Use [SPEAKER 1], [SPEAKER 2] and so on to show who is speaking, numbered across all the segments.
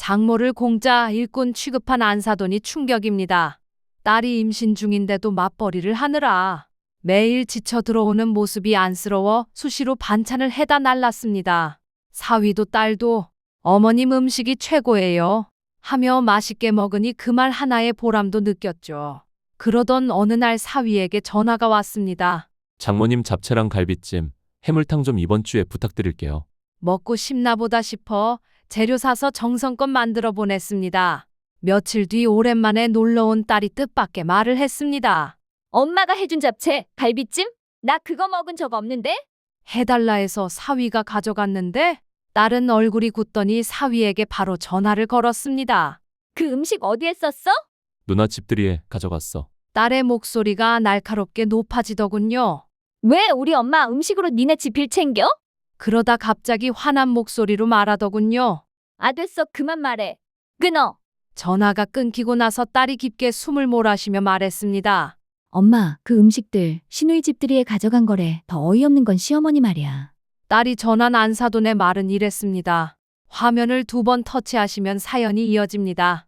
[SPEAKER 1] 장모를 공짜 일꾼 취급한 안사돈이 충격입니다. 딸이 임신 중인데도 맞벌이를 하느라 매일 지쳐 들어오는 모습이 안쓰러워 수시로 반찬을 해다 날랐습니다. 사위도 딸도 어머님 음식이 최고예요 하며 맛있게 먹으니 그 말 하나의 보람도 느꼈죠. 그러던 어느 날 사위에게 전화가 왔습니다.
[SPEAKER 2] 장모님 잡채랑 갈비찜, 해물탕 좀 이번 주에 부탁드릴게요.
[SPEAKER 1] 먹고 싶나 보다 싶어 재료 사서 정성껏 만들어 보냈습니다. 며칠 뒤 오랜만에 놀러온 딸이 뜻밖의 말을 했습니다.
[SPEAKER 3] 엄마가 해준 잡채, 갈비찜? 나 그거 먹은 적 없는데?
[SPEAKER 1] 해달라 해서 사위가 가져갔는데 딸은 얼굴이 굳더니 사위에게 바로 전화를 걸었습니다.
[SPEAKER 3] 그 음식 어디에 썼어?
[SPEAKER 2] 누나 집들이에 가져갔어.
[SPEAKER 1] 딸의 목소리가 날카롭게 높아지더군요.
[SPEAKER 3] 왜 우리 엄마 음식으로 니네 지필 챙겨?
[SPEAKER 1] 그러다 갑자기 화난 목소리로 말하더군요.
[SPEAKER 3] 아 됐어 그만 말해. 끊어.
[SPEAKER 1] 전화가 끊기고 나서 딸이 깊게 숨을 몰아쉬며 말했습니다.
[SPEAKER 4] 엄마, 그 음식들 시누이 집들이에 가져간 거래. 더 어이없는 건 시어머니 말이야.
[SPEAKER 1] 딸이 전한 안사돈의 말은 이랬습니다. 화면을 2번 터치하시면 사연이 이어집니다.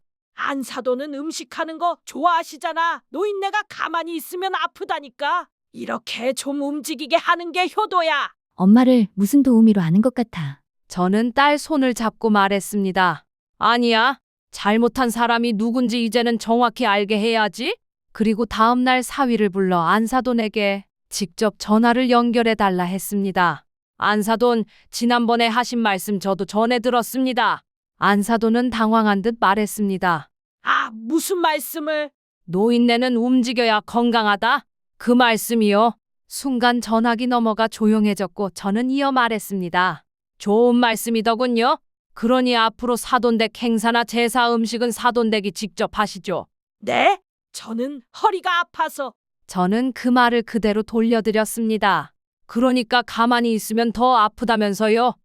[SPEAKER 5] 안사돈은 음식하는 거 좋아하시잖아. 노인네가 가만히 있으면 아프다니까. 이렇게 좀 움직이게 하는 게 효도야.
[SPEAKER 4] 엄마를 무슨 도우미로 아는 것 같아.
[SPEAKER 1] 저는 딸 손을 잡고 말했습니다. 아니야. 잘못한 사람이 누군지 이제는 정확히 알게 해야지. 그리고 다음 날 사위를 불러 안사돈에게 직접 전화를 연결해 달라 했습니다. 안사돈, 지난번에 하신 말씀 저도 전해 들었습니다. 안사돈은 당황한 듯 말했습니다.
[SPEAKER 5] 아, 무슨 말씀을?
[SPEAKER 1] 노인네는 움직여야 건강하다. 그 말씀이요. 순간 전화기 넘어가 조용해졌고 저는 이어 말했습니다. 좋은 말씀이더군요. 그러니 앞으로 사돈댁 행사나 제사 음식은 사돈댁이 직접 하시죠.
[SPEAKER 5] 네? 저는 허리가 아파서.
[SPEAKER 1] 저는 그 말을 그대로 돌려드렸습니다. 그러니까 가만히 있으면 더 아프다면서요.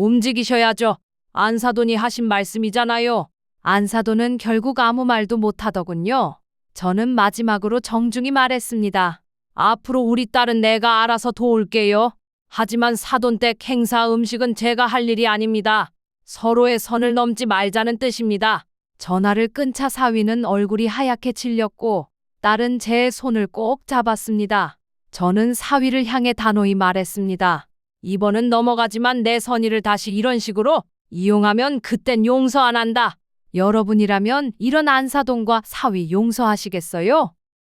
[SPEAKER 1] 움직이셔야죠. 안사돈이 하신 말씀이잖아요. 안사돈은 결국 아무 말도 못하더군요. 저는 마지막으로 정중히 말했습니다. 앞으로 우리 딸은 내가 알아서 도울게요. 하지만 사돈댁 행사 음식은 제가 할 일이 아닙니다. 서로의 선을 넘지 말자는 뜻입니다. 전화를 끈 차 사위는 얼굴이 하얗게 질렸고 딸은 제 손을 꼭 잡았습니다. 저는 사위를 향해 단호히 말했습니다. 이번은 넘어가지만 내 선의를 다시 이런 식으로 이용하면 그땐 용서 안 한다. 여러분이라면 이런 안사돈과 사위 용서하시겠어요?